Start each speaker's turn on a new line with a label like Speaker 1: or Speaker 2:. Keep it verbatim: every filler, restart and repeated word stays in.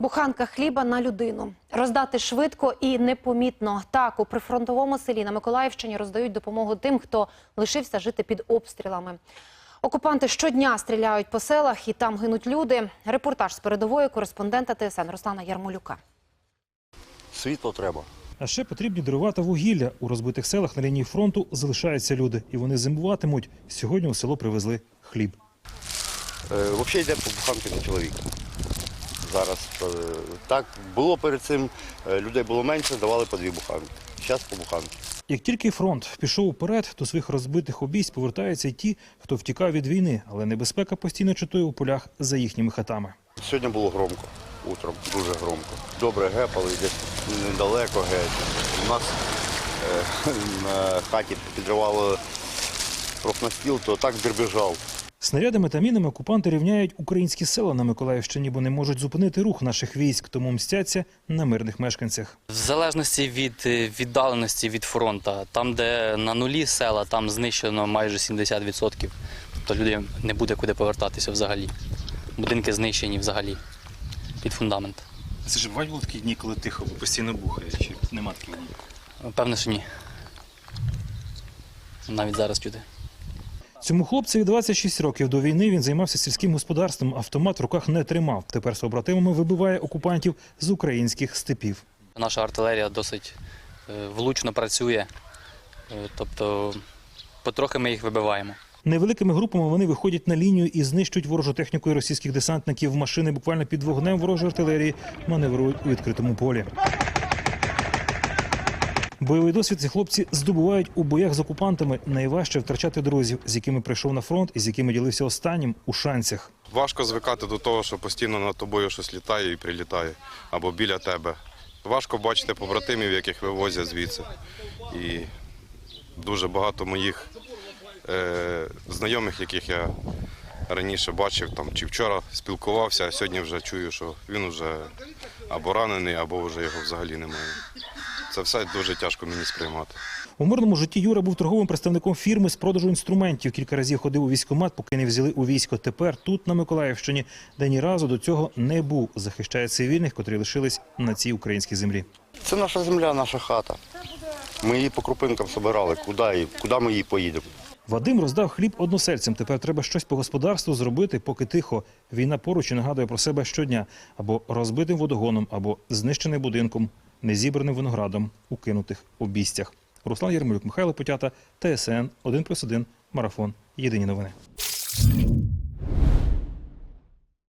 Speaker 1: Буханка хліба на людину. Роздати швидко і непомітно. Так, у прифронтовому селі на Миколаївщині роздають допомогу тим, хто лишився жити під обстрілами. Окупанти щодня стріляють по селах і там гинуть люди. Репортаж з передової кореспондента Т С Н Руслана Ярмолюка.
Speaker 2: Світло треба.
Speaker 3: А ще потрібні дрова та вугілля. У розбитих селах на лінії фронту залишаються люди. І вони зимуватимуть. Сьогодні у село привезли хліб.
Speaker 2: Е, взагалі йде по буханки на чоловіка. Зараз е, так було перед цим, е, людей було менше, давали по дві буханки. Зараз по буханки.
Speaker 3: Як тільки фронт пішов уперед, до своїх розбитих обійсть повертаються й ті, хто втікав від війни. Але небезпека постійно чатує у полях за їхніми хатами.
Speaker 2: Сьогодні було громко, утром, дуже громко. Добре гепали, десь недалеко геть. У нас е, на хаті підривало профнастіл, то так дребіжав.
Speaker 3: Снарядами та мінами окупанти рівняють українські села на Миколаївщині, бо не можуть зупинити рух наших військ, тому мстяться на мирних мешканцях.
Speaker 4: В залежності від віддаленості від фронту, там, де на нулі села, там знищено майже сімдесят відсотків. Тобто людям не буде куди повертатися взагалі. Будинки знищені взагалі під фундамент.
Speaker 3: Це ж бувають були такі дні, коли тихо, бо постійно бухає, чи нема таких днів?
Speaker 4: Певно, що ні. Навіть зараз чути.
Speaker 3: Цьому хлопцеві двадцять шість років. До війни він займався сільським господарством, автомат в руках не тримав. Тепер з побратимами вибиває окупантів з українських степів.
Speaker 4: Наша артилерія досить влучно працює, тобто потрохи ми їх вибиваємо.
Speaker 3: Невеликими групами вони виходять на лінію і знищують ворожу техніку і російських десантників. Машини буквально під вогнем ворожої артилерії маневрують у відкритому полі. Бойовий досвід ці хлопці здобувають у боях з окупантами. Найважче втрачати друзів, з якими прийшов на фронт і з якими ділився останнім у Шанцях.
Speaker 5: Важко звикати до того, що постійно над тобою щось літає і прилітає, або біля тебе. Важко бачити побратимів, яких вивозять звідси. І дуже багато моїх е, знайомих, яких я раніше бачив, там, чи вчора спілкувався, а сьогодні вже чую, що він вже або ранений, або вже його взагалі немає. Це все дуже тяжко мені сприймати.
Speaker 3: У мирному житті Юра був торговим представником фірми з продажу інструментів. Кілька разів ходив у військкомат, поки не взяли у військо. Тепер тут, на Миколаївщині, де ні разу до цього не був. Захищає цивільних, котрі лишились на цій українській землі.
Speaker 2: Це наша земля, наша хата. Ми її по крупинкам збирали, куди, куди ми її поїдемо.
Speaker 3: Вадим роздав хліб односельцям. Тепер треба щось по господарству зробити, поки тихо. Війна поруч і нагадує про себе щодня. Або розбитим водогоном, або знищеним будинком, незібраним виноградом у кинутих обійстях. Руслан Ярмолюк, Михайло Потята, Т С Н один плюс один, Марафон. Єдині новини.